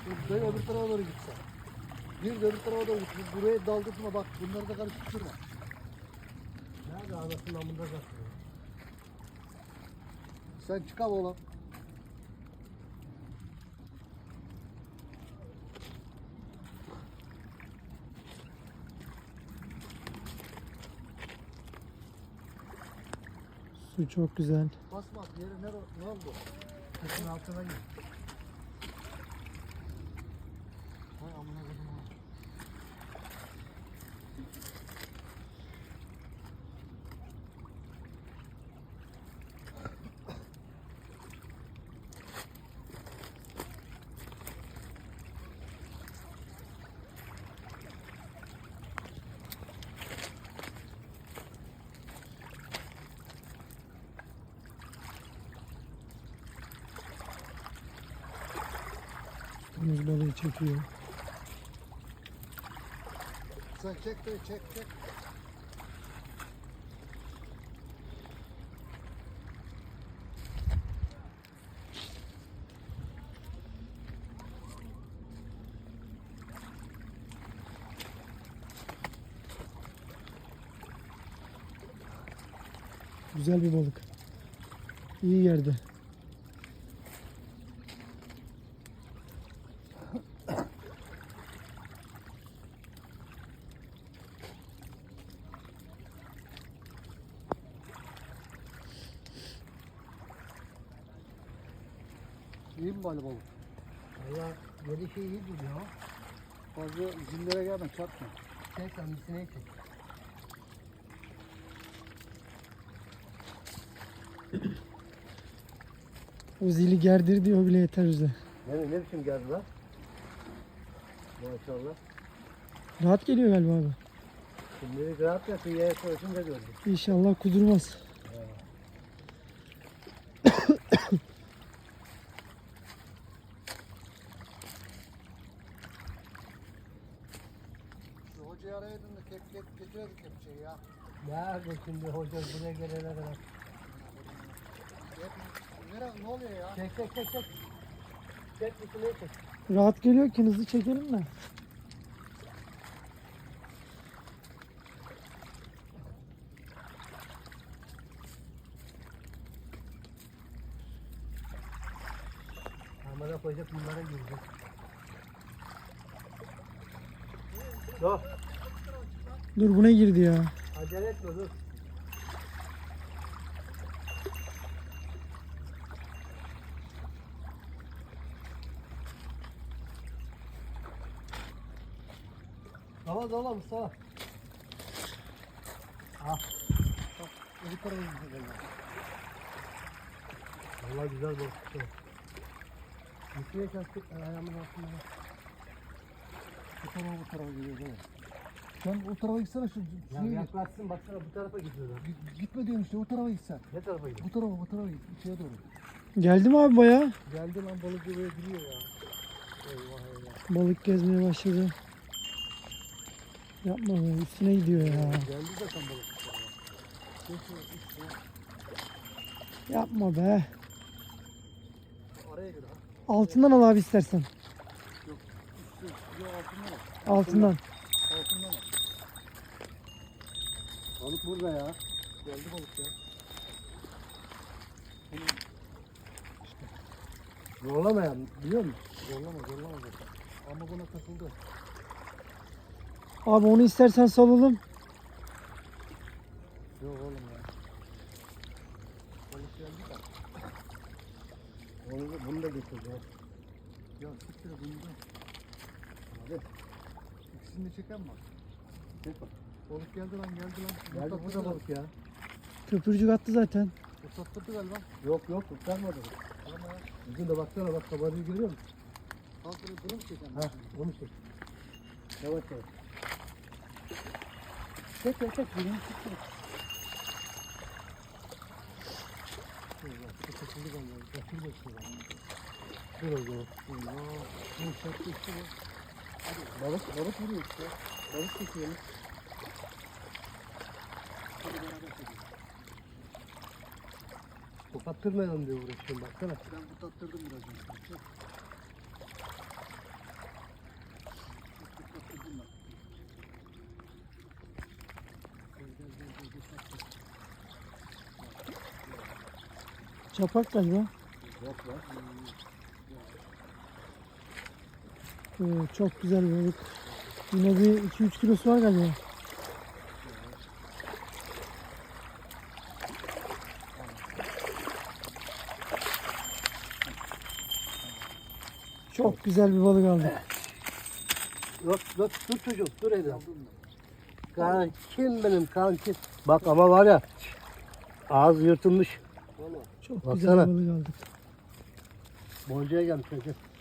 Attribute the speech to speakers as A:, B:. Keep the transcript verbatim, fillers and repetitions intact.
A: Böyle öbür tarafa doğru gitsen. Bir de öbür tarafa doğru git. Buraya daldırtma bak. Bunları da karıştırma.
B: Nerede anasının amında zaten?
A: Sen çıkar oğlum.
C: Su çok güzel.
A: Basma. Yere ne, ne oldu? Kesin altına git. Hay amına koydum ha.
C: Deniz balığı çekiyor.
A: Sen çek de çek çek.
C: Güzel bir balık. İyi yerde.
A: İyi mi bari balık?
B: Valla yedi şey iyi duruyor.
A: Fazla zillere gelme çarpma.
B: Çek sen bir sineği çek.
C: O zili gerdir diyor bile yeter bize.
B: Ne, ne biçim geldi lan? Maşallah.
C: Rahat geliyor galiba abi.
B: Şimdi rahat ya kıyıya koysun da gördüm.
C: İnşallah kudurmaz.
A: Şu hocayı arayaydın da kep kep getiriyorduk kepçeyi ya.
B: Nerede şimdi hoca buraya gelene kadar?
A: Hep, nere, ne oluyor ya?
B: Çek çek çek çek. Çek bir sineği çek.
C: Rahat geliyor ki hızlı çekelim de.
B: Amına koyacak bunlara girecek. Dur.
C: Dur buna girdi ya.
B: Acele etme dur. Dala dala Mustafa. Ah.
A: Bak öbür tarafa gidiyor.
B: Vallahi güzel balık çıktı. Yüküye çarptık ayağımın altında.
A: Bu tarafa bu tarafa gidiyor değil mi? Sen o tarafa gitsene şu
B: Ya
A: suya git.
B: yaklaşsın baksana bu tarafa gidiyorlar.
A: Git- Gitme diyorum işte o tarafa gitsen.
B: Ne tarafa gidiyor?
A: Bu tarafa bu tarafa git. İçeri doğru.
C: Geldi mi abi bayağı?
A: Geldi lan balık buraya giriyor ya. Eyvah eyvah.
C: Balık gezmeye başladı. Yapma be, üstüne gidiyor ya.
A: Geldi zaten balık içeri. Geçiyor işte.
C: Yapma be.
A: Araya gir ha.
C: Altından al abi istersen.
A: Yok üstü. Yok altından al.
C: Altından.
A: Altından al. Balık burada ya. Geldi balık ya. Bunu
B: Zorlamayan biliyor musun?
A: zorlama zorlama zaten. Ama buna takıldı.
C: Abi onu istersen salalım.
A: Yok oğlum ya. Balık geldi de.
B: Onu da, bunu da getireceğim.
A: Ya siktir bunu da. Hadi. İkisini de çeken mi?
B: Çek bak.
A: Balık geldi lan geldi lan.
B: Geldi bu da balık ya.
C: Köpürcük attı zaten.
A: Usattırdı galiba.
B: Yok yok kurtarmadı.
A: Ama ya.
B: Bugün de baksana bak kabarıyı görüyor musun?
A: Kalkını bunu mu çeken?
B: Ha onu çek. Yavaş yavaş. Çek çek çek. Birini çek. çek.
A: Bu da takıldı galiba. Bakır bakıyor lan.
B: Dur o zaman.
A: Allah. Bunu çaktı işte bu.
B: Balık, balık vuruyor işte. Balık çekiyoruz.
A: Hadi beraber çekelim.
B: Kopattırmayalım diye uğraşıyorum baksana.
A: Ben bu tattırdım biraz önce. Çek.
C: Çapak galiba.
A: Yok lan.
C: Oo, çok güzel bir balık. Yine bir iki üç kilosu var galiba. Çok güzel bir balık aldık.
B: Yok yok dur çocuğum dur Eda. Kankim benim kankim. Bak ama var ya ağız yırtılmış.
C: Çok
B: Baksana.
C: güzel bir balık aldık.
B: Boncaya gelmiş çocuk.